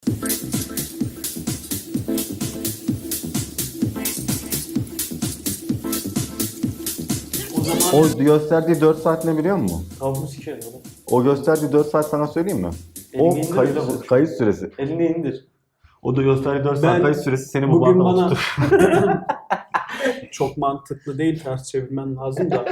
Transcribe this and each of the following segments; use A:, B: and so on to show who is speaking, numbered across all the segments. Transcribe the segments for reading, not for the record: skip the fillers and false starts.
A: O gösterdiği 4 saat ne biliyor musun?
B: Tavuğunu sikerim oğlum.
A: O gösterdiği 4 saat sana söyleyeyim mi? O
B: Elini indir de vur.
A: kayıt süresi.
B: Elini indir.
A: O da gösterdiği 4 saat
C: Ben
A: kayıt süresi seni bu
C: Bugün
A: barda
C: bana
A: oturtur.
C: çok mantıklı değil, ters çevirmen lazım da.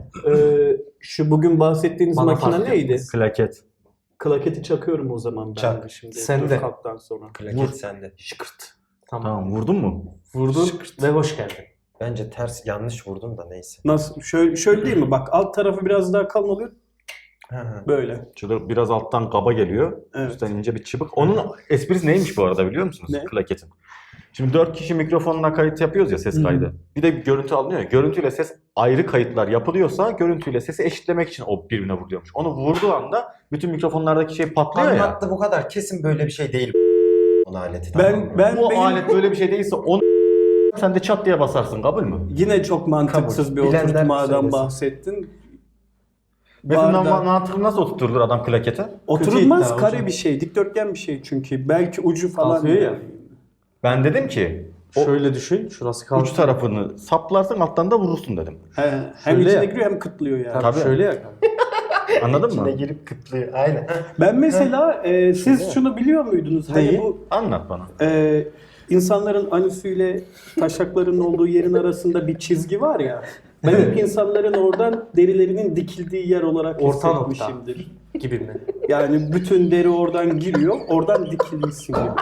C: Şu bugün bahsettiğiniz
D: Bana
C: makine
D: fark
C: neydi?
A: Klaket.
C: Klaketi çakıyorum o zaman ben
D: Çak.
C: de şimdi.
D: Sen de.
C: Dört kalktan sonra.
D: Klaket sende.
C: Şıkırt.
A: Tamam vurdun mu?
D: Vurdun
C: Şıkırt.
D: ve hoş geldin. Bence ters yanlış vurdun da neyse.
C: Nasıl? Şöyle değil mi? Bak alt tarafı biraz daha kalın oluyor. Böyle.
A: Şurada biraz alttan kaba geliyor.
C: Evet.
A: Üstten ince bir çıbık. Onun esprisi neymiş bu arada biliyor musunuz?
C: Ne?
A: Klaketin. Şimdi 4 kişi mikrofonla kayıt yapıyoruz ya, ses kaydı. Bir de bir görüntü alınıyor ya. Görüntüyle ses ayrı kayıtlar yapılıyorsa görüntüyle sesi eşitlemek için o birbirine vuruyormuş. Onu vurduğu anda bütün mikrofonlardaki şey patlıyor ya.
D: Anlattı bu kadar. Kesin böyle bir şey değil. Onun aleti.
C: Ben
A: Bu
C: benim
A: alet böyle bir şey değilse onu sen de çat diye basarsın, kabul mü?
C: yine çok mantıksız
D: Kabul.
C: bir
D: Bilenler
C: oturtmadan
D: söylesin.
C: bahsettin.
A: Mesela
C: Barda-
A: mantıklı nasıl oturturdur adam klakete?
C: Oturulmaz,
D: iddia
C: kare
D: hocam.
C: bir şey, dikdörtgen bir şey çünkü. Belki ucu falan.
B: Kalkıyor ya.
A: Ben dedim ki o
B: Şöyle düşün. Şurası kaldı.
A: uç tarafını saplarsın, alttan da vurursun dedim.
C: Hem
B: Şöyle
C: içine
B: ya.
C: giriyor hem kıtlıyor yani.
A: Tabii.
B: Şöyle ya.
A: Anladın
D: İçine
A: mı?
D: girip kıtlıyor. Aynen.
C: Ben mesela siz şunu biliyor muydunuz? Hani
B: Neyi?
C: bu
A: Anlat bana.
C: insanların anüsüyle taşaklarının olduğu yerin arasında bir çizgi var ya. Ben ilk insanların oradan derilerinin dikildiği yer olarak
B: Orta nokta.
C: hissetmişimdir.
B: Gibi mi?
C: Yani bütün deri oradan giriyor, oradan dikilmişsin gibi.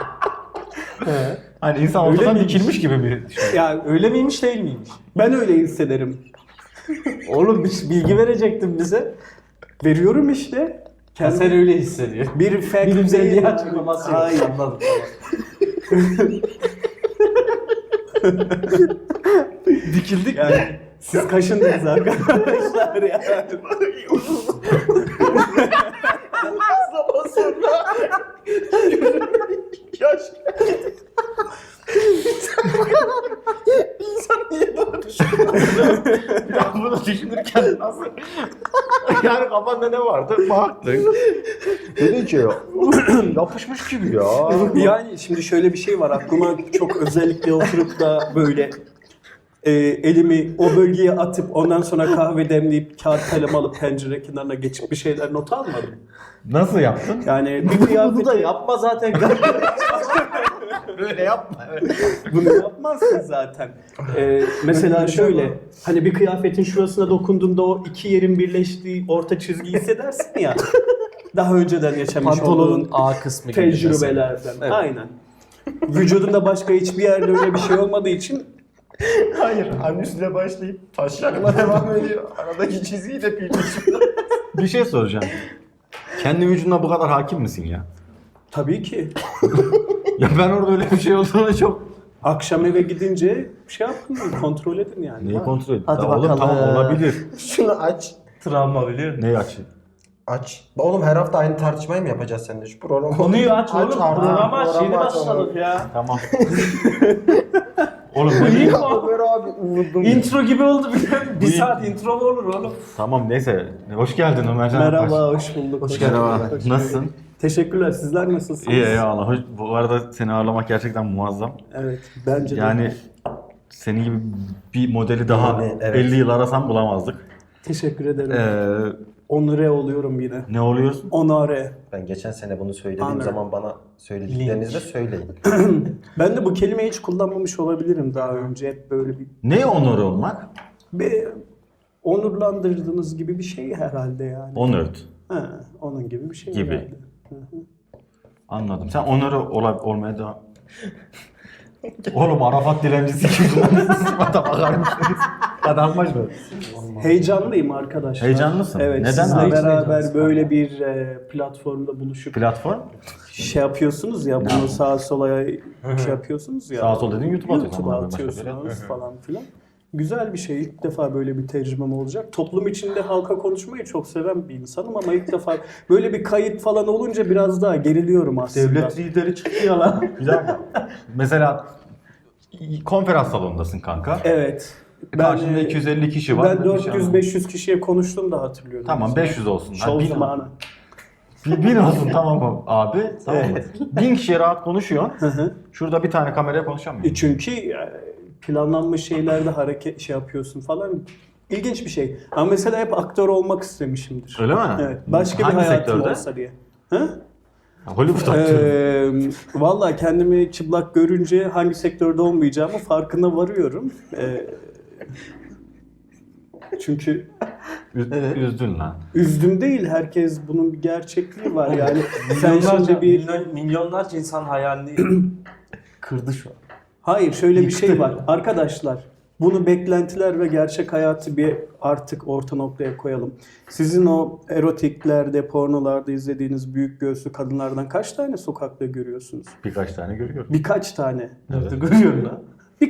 A: Hani insan
B: Öyle
A: ortadan
B: miymiş?
A: dikilmiş gibi bir şey.
C: Yani
B: Öyle miymiş değil miymiş?
C: ben öyle hissederim.
B: Oğlum bir bilgi verecektin bize.
C: Veriyorum işte.
B: Ya sen öyle hissediyorsun.
C: Bir fact
B: Bilimsel
C: değil.
B: bir açıklaması yok.
C: Hayır.
B: Anladım
C: Dikildik yani. Siz kaşındınız arkadaşlar ya.
A: Yaş. İnsan niye böyle düşünüyor? Ya bunu düşünürken nasıl? Yani kafanda ne vardı? Baktın. Dedin ki yapışmış gibi ya.
C: Yani şimdi şöyle bir şey var, aklıma çok özellikle oturup da böyle elimi o bölgeye atıp ondan sonra kahve demleyip kağıt kalem alıp pencere kenarına geçip bir şeyler not almadım.
A: Nasıl yaptın?
C: Yani bir
B: Bunu
C: kıyafet
B: da yapma zaten.
A: Böyle yapma.
C: bunu yapmazsın zaten. Mesela şöyle, hani bir kıyafetin şurasına dokunduğunda o iki yerin birleştiği orta çizgiyi hissedersin ya. Daha önceden yaşamış
B: Pantolonun
C: olduğun
B: A kısmı gibi. mesela.
C: tecrübelerden.
B: Evet.
C: Aynen. Vücudunda başka hiçbir yerde öyle bir şey olmadığı için
D: Hayır. Anüsle başlayıp taşakla devam ediyor. Aradaki çizgiyi de birleşiyor.
A: Bir şey soracağım. Kendi vücuduna bu kadar hakim misin ya?
C: tabii ki
A: Ya ben orada öyle bir şey olduğunu çok...
C: akşam eve gidince şey yapın, kontrol edin yani.
A: Neyi kontrol edin?
B: Hadi
A: Ya oğlum
B: bakalım.
A: tamam olabilir.
D: Şunu aç.
B: Travma biliyor musun?
A: Neyi açayım?
D: Aç. Oğlum her hafta aynı tartışmayı mı yapacağız seninle şu programı?
B: Konuyu aç oğlum.
D: artık.
B: Programı aç. Yeni
D: Programı aç
B: başladık ya.
A: Tamam. Oğlum
B: Bu
A: ne
B: iyi mi?
D: Ömer abi uvurdum.
B: Intro gibi oldu bir
A: Bu-
B: saat intro mu olur oğlum?
A: Tamam neyse. Hoş geldin Ömercan.
C: Merhaba, hoş bulduk.
B: Hoş geldin.
A: Merhaba.
C: Hoş bulduk.
A: Nasılsın?
C: Teşekkürler. Sizler nasılsınız?
A: İyi eyvallah. Bu arada seni ağırlamak gerçekten muazzam.
C: Evet, bence de.
A: Yani senin gibi bir modeli daha
D: Yani, evet.
A: 50 yıl arasam bulamazdık.
C: Teşekkür ederim.
A: Ee,
C: Onore oluyorum yine.
A: ne oluyorsun?
C: Onore.
D: Ben geçen sene bunu söylediğim
C: Anladım.
D: zaman bana söylediklerinizi de söyleyin.
C: Ben de bu kelimeyi hiç kullanmamış olabilirim daha önce. Hep böyle
A: Ne onur olmak?
C: bir onurlandırdığınız gibi bir şey herhalde yani.
A: Honored.
C: Ha, onun gibi bir şey
A: Gibi.
C: herhalde.
A: Anladım. Sen onur olmaya devam... Oğlum Arafat dilencisi gibi. Sıfata bakar mısınız? Adam baş mı?
C: Heyecanlıyım arkadaşlar.
A: Heyecanlı mısın?
C: Evet,
A: Neden
C: sizle
A: abi?
C: beraber
B: Heyecanlısın
C: böyle bir platformda buluşup
A: Platform?
C: şey yapıyorsunuz ya, bunu sağa sola şey yapıyorsunuz ya.
A: Sağa sola dediğin YouTube'a atıyorsun
C: YouTube'a
A: ama başka bir yere.
C: atıyorsunuz falan filan. Güzel bir şey. İlk defa böyle bir tecrübem olacak. Toplum içinde halka konuşmayı çok seven bir insanım ama ilk defa böyle bir kayıt falan olunca biraz daha geriliyorum aslında.
A: Devlet lideri çıktı ya lan. Bir dakika. Mesela konferans salonundasın kanka.
C: Evet.
A: Karşında 250 kişi var.
C: Ben 400-500 kişiye konuştum da hatırlıyorum.
A: Tamam 500 olsun.
C: Şov
A: Bin-
C: zamanı.
A: bin olsun tamam mı abi? Tamam mı? 1000 kişiye rahat konuşuyorsun. Şurada bir tane kameraya konuşamıyorsun.
C: Çünkü planlanmış şeylerde hareket yapıyorsun falan. İlginç bir şey. Ama mesela hep aktör olmak istemişimdir.
A: Öyle mi?
C: Evet. Başka
A: Hangi
C: bir hayatım
A: sektörde?
C: olsa diye. Ha?
A: Hollywood aktörü.
C: Valla kendimi çıplak görünce hangi sektörde olmayacağımı farkına varıyorum. Çünkü
A: Üzdün lan.
C: üzdüm değil, herkes bunun bir gerçekliği var yani. Sen
B: Milyonlarca,
C: şimdi bir...
B: milyonlarca insan hayalini kırdı şu an.
C: Hayır, şöyle bir şey
B: Yıktı.
C: var. Arkadaşlar, bunu beklentiler ve gerçek hayatı bir artık orta noktaya koyalım. Sizin o erotiklerde, pornolarda izlediğiniz büyük göğüslü kadınlardan kaç tane sokakta görüyorsunuz?
A: Birkaç tane görüyorum.
C: Birkaç tane.
A: Evet.
B: Görüyorum lan.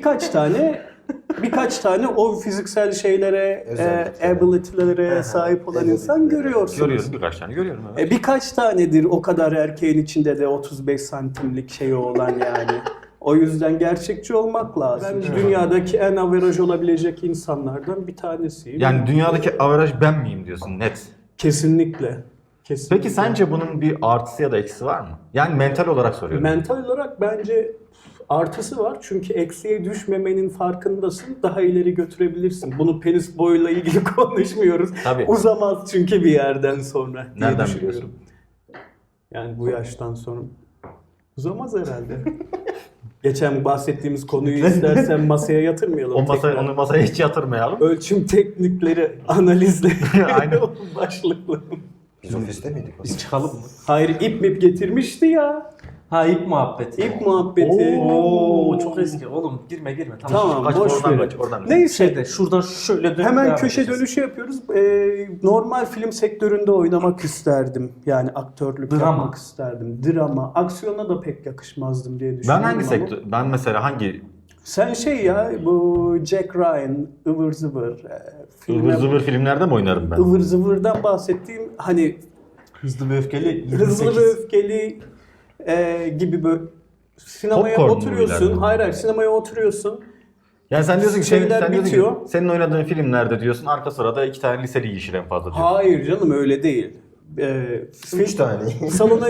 C: Birkaç tane o fiziksel şeylere, ability'lere sahip olan insan görüyorsunuz.
A: Görüyorum birkaç tane görüyorum evet.
C: Birkaç tanedir o kadar erkeğin içinde de 35 santimlik şeyi olan yani. O yüzden gerçekçi olmak lazım. Ben dünyadaki en averaj olabilecek insanlardan bir tanesiyim.
A: Yani dünyadaki averaj ben miyim diyorsun net.
C: Kesinlikle. Kesinlikle.
A: Peki sence bunun bir artısı ya da eksisi var mı? Yani mental olarak soruyorum.
C: Mental olarak bence artısı var. Çünkü eksiye düşmemenin farkındasın. Daha ileri götürebilirsin. Bunu penis boyuyla ilgili konuşmuyoruz.
A: Tabii.
C: Uzamaz çünkü bir yerden sonra diye
A: Nereden
C: düşünüyorum.
A: biliyorsun?
C: Yani bu yaştan sonra uzamaz herhalde. Geçen bahsettiğimiz konuyu istersen masaya yatırmayalım.
A: Onu masaya hiç yatırmayalım.
C: Ölçüm teknikleri, analizleri
A: Aynen.
C: başlıklı.
D: Biz ofiste miydik?
B: Biz çıkalım mı?
C: Hayır, ip mip getirmişti ya.
B: Ha ip muhabbeti.
C: İp muhabbeti.
B: Oo çok eski. Oğlum girme.
C: Tamam,
A: Kaç
C: boş
A: oradan
C: verin.
A: kaç oradan.
C: Neyse.
B: Şeyde şuradan şöyle dönüp
C: Hemen
B: devam
C: köşe
B: edeceğiz.
C: dönüşü yapıyoruz. Normal film sektöründe oynamak isterdim. Yani aktörlük
B: Drama.
C: yapmak isterdim. Drama. Aksiyona da pek yakışmazdım diye
A: Ben
C: düşünüyorum
A: hangi
C: ama.
A: sektör? Ben mesela hangi
C: Sen şey ya, bu Jack Ryan, ıvır zıvır.
A: ıvır zıvır filmlerde mi oynarım ben?
C: ıvır zıvırdan bahsettiğim hani
B: Hızlı ve öfkeli.
C: hızlı
B: 28.
C: ve öfkeli gibi böyle sinemaya
A: Popcorn
C: oturuyorsun.
A: movie'ler mi?
C: Hayır, sinemaya oturuyorsun.
A: Yani sen diyorsun ki
C: Şeyler
A: sen diyorsun ki,
C: bitiyor.
A: senin oynadığın filmlerde diyorsun arka sırada 2 tane liseli yiyişir en fazla diyorsun.
C: Hayır canım, öyle değil.
D: 3 tane.
C: Salona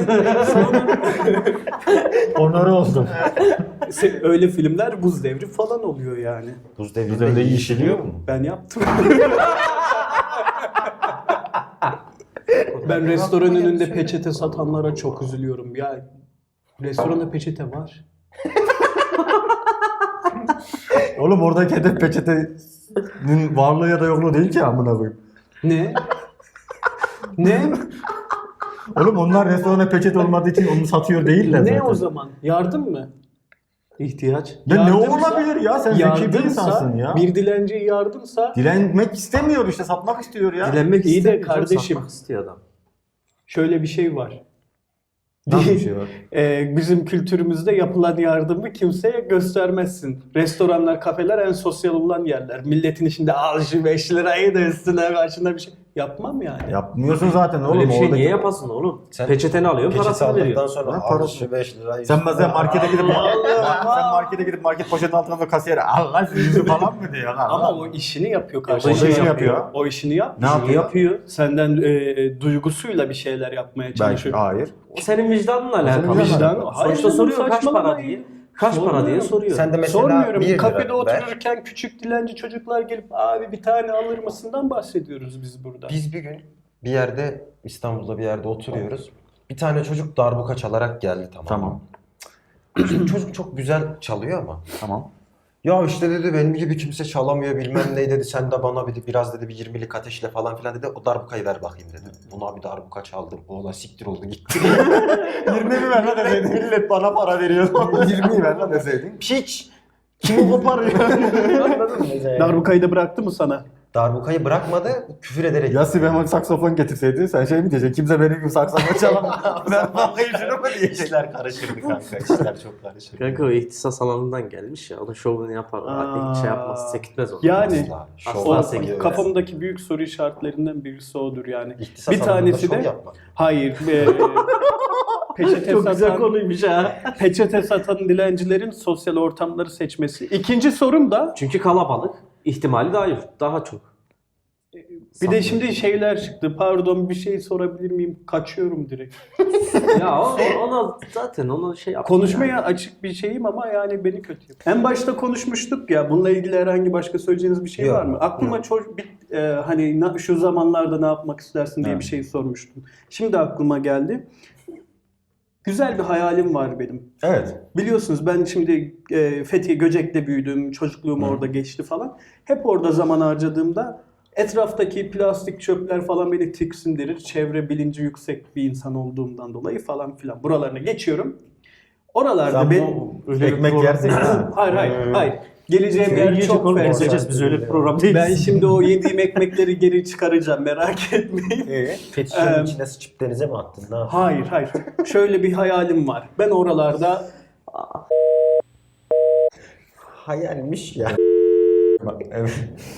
A: Onları oldum.
C: öyle filmler Buz Devri falan oluyor yani.
D: Buz
A: Bizde öyle yiyişiliyor mu?
C: Ben yaptım. Ben restoran önünde peçete satanlara çok üzülüyorum. Ya restoranda peçete var.
A: Oğlum oradaki hedef peçetenin varlığı ya da yokluğu değil ki amına koyayım.
C: Ne? Ne?
A: Oğlum onlar restorana peçete olmadığı için onu satıyor değiller zaten.
C: Ne o zaman? Yardım mı?
B: İhtiyaç.
A: Ya ne
C: Yardımsa-
A: olabilir ya? Sen zeki bir insansın ya.
C: Bir dilenciye yardımsa
A: Dilenmek istemiyor işte satmak istiyor ya.
B: Dilenmek
C: İyi de
B: istemiyor,
C: kardeşim.
B: satmak istiyor adam.
C: şöyle bir şey var.
A: Nasıl bir şey var?
C: Bizim kültürümüzde yapılan yardımı kimseye göstermezsin. Restoranlar, kafeler en sosyal olan yerler. Milletin içinde al şu 5 lirayı da üstüne karşında bir şey. Yapmam yani.
A: Yapmıyorsun zaten oğlum.
B: Öyle bir şey
A: oradaki-
B: niye yapasın oğlum?
D: Sen
B: Peçeteni alıyor,
D: Peçete
B: parasını
D: aldıktan
B: veriyor.
D: sonra
A: Ne
D: al
A: parası?
D: şu 5 lirayı.
A: Sen bazen markete gidip
C: Allah.
A: market poşetin altına da kasiyere Allah yüzü falan mı diyor?
C: Ama o işini yapıyor
A: O
C: karşında.
A: işini yapıyor.
C: O işini yap.
A: Ne yapıyor?
C: yapıyor? Senden duygusuyla bir şeyler yapmaya çalışıyor.
A: Belki hayır.
B: O senin vicdanınla alakalı.
A: vicdanla
C: Vicdan.
B: Sonuçta
C: canım,
B: soruyor kaç para
C: saçmalamayın.
B: diye. Kaç para diye
C: Sormuyorum.
B: soruyor.
D: Sen de mesela
C: Sormuyorum.
D: 1 lira
C: Kafede
D: ver.
C: otururken küçük dilenci çocuklar gelip abi bir tane alır mısından bahsediyoruz biz burada.
D: Biz bir gün bir yerde İstanbul'da bir yerde oturuyoruz. Bir tane çocuk darbuka çalarak geldi tamam.
A: Tamam.
D: Şimdi çocuk çok güzel çalıyor ama.
A: Tamam.
D: Ya işte dedi benim gibi kimse çalamıyor bilmem ne dedi. Sen de bana biraz dedi bir 20'lik ateşle falan filan dedi. O darbukayı ver bakayım dedi. Buna bir darbuka çaldım. Oğlan siktir oldu gitti.
A: 20'yi ver lan deseydin. Millet bana para veriyor. 20'yi ver lan deseydin.
D: Piç! Kimi koparıyor? Anladın mı?
C: Darbukayı da bıraktı mı sana?
D: Darbukayı bırakmadı, küfür ederek.
A: Ya Sibel saksafon getirseydin sen şey mi diyeceksin? Kimse benim gibi saksafon çalamaz. Ben bakayım şunu mu diyeceksin?
D: İşler karışırdı kanka. İşler çok karışırdı.
B: Kanka o ihtisas alanından gelmiş ya. Onun şovunu yapar.
C: Aa.
B: Şey yapmaz, sekitmez onu.
C: Yani
D: Asla.
B: Asla
D: Şov
C: o
B: sekiz.
D: yapıyor.
C: kafamdaki büyük soru işaretlerinden birisi odur yani.
D: İhtisas
C: Bir
D: alanında
C: tanesi
D: şov
C: de
D: yapma.
C: hayır. Peçete
B: Çok güzel
C: satan,
B: konuymuş ha.
C: peçete satan dilencilerin sosyal ortamları seçmesi. İkinci sorum da
B: Çünkü kalabalık. İhtimali daha çok.
C: Bir de şimdi şeyler çıktı. Pardon bir şey sorabilir miyim? Kaçıyorum direkt.
B: Ya ona zaten ona şey yaptım
C: Konuşmaya
B: yani.
C: açık bir şeyim ama yani beni kötü yapıyor. En başta konuşmuştuk ya. Bununla ilgili herhangi başka söyleyeceğiniz bir şey
D: Yok,
C: var mı? Aklıma hani şu zamanlarda ne yapmak istersin diye
A: Evet.
C: bir şey sormuştum. Şimdi aklıma geldi. Güzel bir hayalim var benim.
A: Evet.
C: Biliyorsunuz ben şimdi Fethiye Göcek'te büyüdüm. Çocukluğum orada geçti falan. Hep orada zaman harcadığımda etraftaki plastik çöpler falan beni tiksindirir. Çevre bilinci yüksek bir insan olduğumdan dolayı falan filan. Buralarına geçiyorum. Oralarda
A: Sen
C: ben...
A: bu ekmek yersin ya.
C: Hayır. Geleceğim yer
B: Yiyecek
C: çok
B: onu
C: fazla.
B: konuşacağız biz öyle bir program değiliz.
C: Ben şimdi o yediğim ekmekleri geri çıkaracağım, merak etmeyin.
D: Fetişlerin içine sıçıp denize mi attın? Ne yaptın?
C: Hayır. Şöyle bir hayalim var. Ben oralarda
D: Hayalmiş ya.
A: Bak, evet.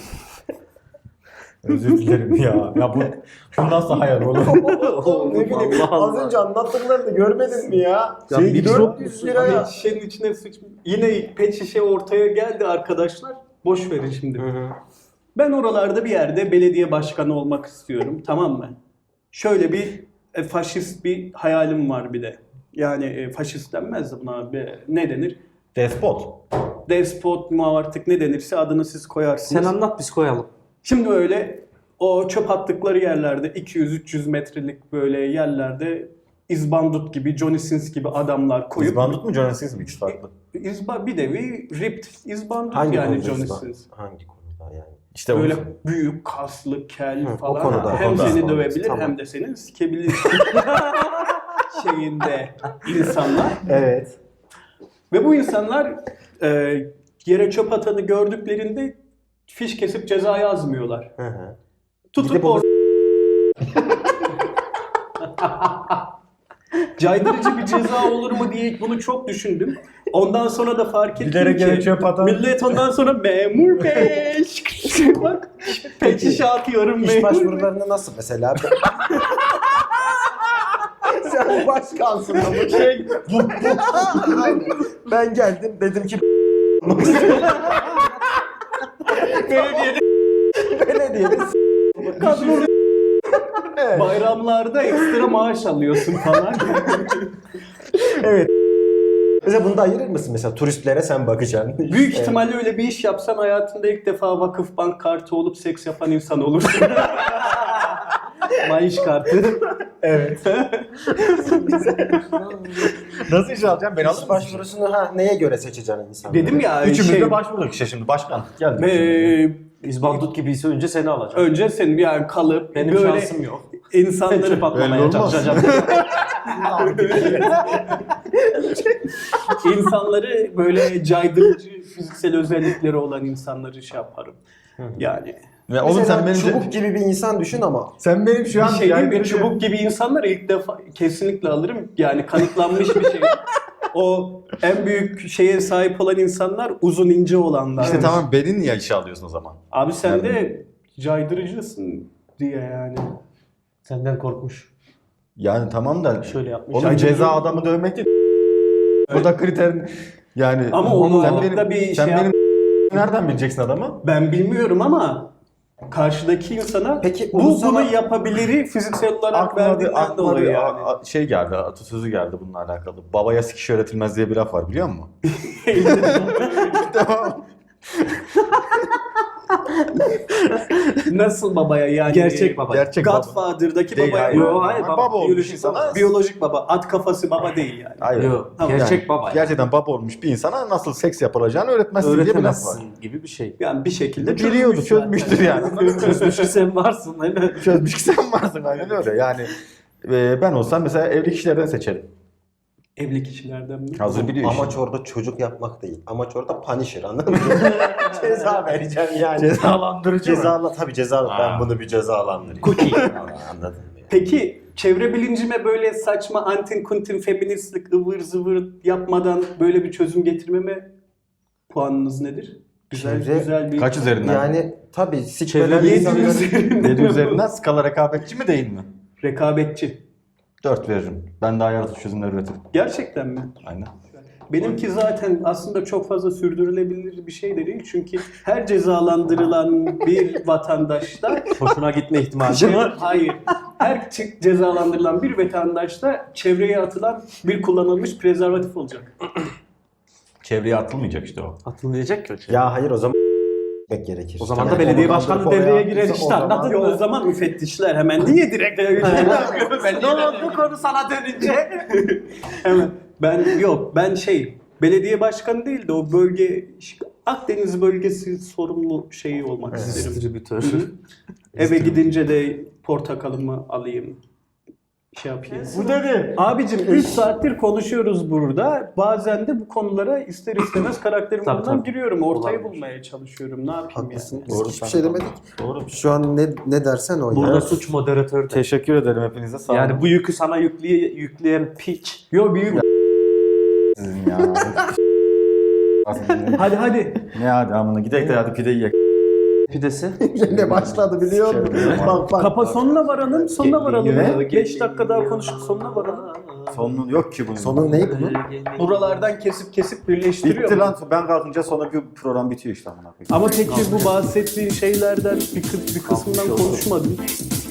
A: Özür dilerim ya. Ya bu nasıl hayal oğlum?
D: Oğlum ne bileyim
B: Allah Allah.
D: az önce anlattıklarını görmedin mi ya?
B: Ya
D: Şey,
B: bir
D: 400 liraya.
C: pet şişenin içine yine pet şişe ortaya geldi arkadaşlar. Boş verin şimdi. Ben oralarda bir yerde belediye başkanı olmak istiyorum, tamam mı? Şöyle bir faşist bir hayalim var bir de. Yani faşist denmez de buna abi. Ne denir?
A: Despot.
C: Despot mu artık ne denirse adını siz koyarsınız.
B: Sen anlat biz koyalım.
C: Şimdi öyle o çöp attıkları yerlerde 200-300 metrelik böyle yerlerde izbandut gibi, Johnny Sins gibi adamlar koyup
A: İzbandut mu Johnny Sins mi? İkisi farklı.
C: bir nevi ripped izbandut
D: Hangi
C: yani
D: konuda
C: Johnny
D: İslam?
C: Sins.
D: Hangi konuda yani?
A: İşte
C: Böyle
A: o.
C: büyük, kaslı, kel
D: Hı, o
C: falan.
D: konuda,
C: Hem
D: o da.
C: seni dövebilir
D: Tamam.
C: hem de seni sikebilir şeyinde insanlar.
D: Evet.
C: Ve bu insanlar yere çöp atanı gördüklerinde fiş kesip ceza yazmıyorlar.
D: Hı hı.
C: Tutup
D: Gidip onu-
C: caydırıcı bir ceza olur mu diye bunu çok düşündüm. Ondan sonra da fark ettim
A: Bilerek
C: ki
A: yere çöp atan.
C: millet ondan sonra memur bey bak pet şişe atıyorum
D: İş
C: memur bey.
D: başvurularını nasıl mesela? Sen başkansın ama şey... ben geldim dedim ki belediyede
C: Kadro bayramlarda ekstra maaş alıyorsun falan.
D: mesela bunu da ayırır mısın mesela turistlere sen bakacaksın.
C: Büyük ihtimalle öyle bir iş yapsan hayatında ilk defa Vakıfbank kartı olup seks yapan insan olursun. Maaş kartı.
D: Evet.
A: Nasıl iş alacağım? Ben
D: İş
A: alırım.
D: başvurusunu neye göre seçeceksin insanları?
C: Dedim ya
A: Üçümüz de başvurduk işte şimdi. Başkan geldi.
B: İzbandut gibiyse önce seni alacağım.
C: önce senin yani kalıp
B: Benim
C: böyle
B: şansım yok.
C: insanları
B: Çöp atmamaya
A: Belli olmaz.
B: çalışacağım.
C: insanları böyle caydırıcı fiziksel özellikleri olan insanları şey yaparım. Yani
A: Ya oğlum
D: Mesela
A: sen benim
D: çubuk gibi bir insan düşün ama
A: sen benim şu
C: bir
A: an
C: şey değil mi?
A: yani-
C: Çubuk gibi insanları ilk defa kesinlikle alırım. Yani kanıtlanmış bir şey. O en büyük şeye sahip olan insanlar uzun ince olanlar.
A: İşte tamam beni niye işe alıyorsun o zaman?
C: Abi sen de caydırıcısın diye yani.
B: Senden korkmuş.
A: Yani tamam da
B: Şöyle yapmış.
A: oğlum ceza adamı dövmek değil. Bu da kriter yani.
C: Ama onu
A: sen
C: alıp
A: benim,
C: da bir
A: sen
C: şey
A: benim nereden bileceksin adamı?
C: Ben bilmiyorum ama karşıdaki insana
D: Peki
C: bu
D: onu sana-
C: bunu yapabiliri fiziksel olarak
A: Aklıma
C: verdiğinden
A: bir
C: dolayı yani.
A: şey geldi, atasözü geldi bununla alakalı. Babaya sikiş öğretilmez diye bir laf var biliyor musun? Tamam.
C: Nasıl babaya yani?
B: Gerçek baba.
A: Gerçek baba.
C: Godfather'daki
A: Değil,
C: babaya.
A: hayır.
B: Yo, hayır,
A: Baba olmuş
C: Biyolojik
A: insana.
C: baba. Biyolojik baba. At kafası baba değil yani.
A: Hayır.
B: Yok.
C: Tamam.
B: Gerçek baba. Yani.
A: Gerçekten baba olmuş bir insana nasıl seks yapılacağını öğretmezsin diye bir laf var.
B: Öğretemezsin gibi bir şey.
C: Yani bir şekilde
A: Biliyordu,
C: çözmüş
A: çözmüştür
C: zaten.
A: yani.
B: Çözmüş ki sen varsın değil mi?
A: Çözmüş ki sen varsın aynen öyle. Yani ben olsam mesela evli kişilerden seçerim.
C: Evli kişilerden mi?
A: Hazır biliyor işi.
D: amaç orada çocuk yapmak değil. Amaç orada punisher anladın mı? Ceza vereceğim yani.
A: Cezalandırıcı mı?
D: Tabii ceza
A: Ha.
D: ben bunu bir cezalandırayım.
B: Cookie.
D: Anladın mı? Yani?
C: Peki çevre bilincime böyle saçma antin kuntin feministlik ıvır zıvır yapmadan böyle bir çözüm getirmeme puanınız nedir? Güzel
D: Çevre-
C: güzel bir...
A: Kaç üzerinden?
D: Yani tabii sikmeden
C: Çevre
D: insanların...
A: 7 üzerinden skala rekabetçi mi değil mi?
C: Rekabetçi.
A: 4 veririm. Ben daha yaratıcı çözümler üretirim.
C: Gerçekten mi?
A: Aynen.
C: Benimki zaten aslında çok fazla sürdürülebilir bir şey de değil. Çünkü her cezalandırılan bir vatandaşta
B: Hoşuna gitme ihtimali var.
C: hayır. Her cezalandırılan bir vatandaşta çevreye atılan bir kullanılmış prezervatif olacak.
A: Çevreye atılmayacak işte o.
B: Atılmayacak ki o şey.
D: Ya hayır o zaman gerekir.
B: O zaman da belediye başkanı devreye girer işte, anladın
C: Ya o
B: mı?
C: zaman müfettişler hemen niye direkt
B: Bu konu sana dönünce.
C: hemen ben belediye başkanı değil de o bölge Akdeniz bölgesi sorumlu şeyi olmak isterim.
B: Distribütör.
C: Eve gidince de portakalımı alayım. Şey yapayım.
B: Bu dedi.
C: Abicim 3 saattir konuşuyoruz burada. Bazen de bu konulara ister istemez karakterimden
B: Tabii.
C: giriyorum. Ortayı
B: Olabilir.
C: bulmaya çalışıyorum. Ne yapayım
D: Haklısın.
C: yani?
D: Biz
A: Doğru,
D: hiçbir
A: sen
D: şey
A: de
D: demedik.
A: Doğru.
D: Şu an ne dersen o
B: Burada
D: ya.
B: suç moderatör.
A: Teşekkür ederim hepinize. Sağ olun.
B: Yani bu yükü sana yükleyen piç.
C: Yo büyük.
A: Sizin ya.
C: Hadi.
A: Ne hadi amına gidelim de hadi pide yiyek.
B: Pidesi.
D: Ne başladı biliyor musun? Bak.
C: Kapa sonuna varalım. Sonuna varalım.
A: Ne?
C: 5 dakika daha konuşup sonuna varalım.
A: Sonun yok ki bunun.
D: Sonu ne bunun?
C: Buralardan kesip birleştiriyor.
A: Bitti lan. Ben kalkınca sonra bir program bitiyor işte amına koyayım.
C: Ama peki bu bahsettiğin şeylerden bir kısmından konuşmadın.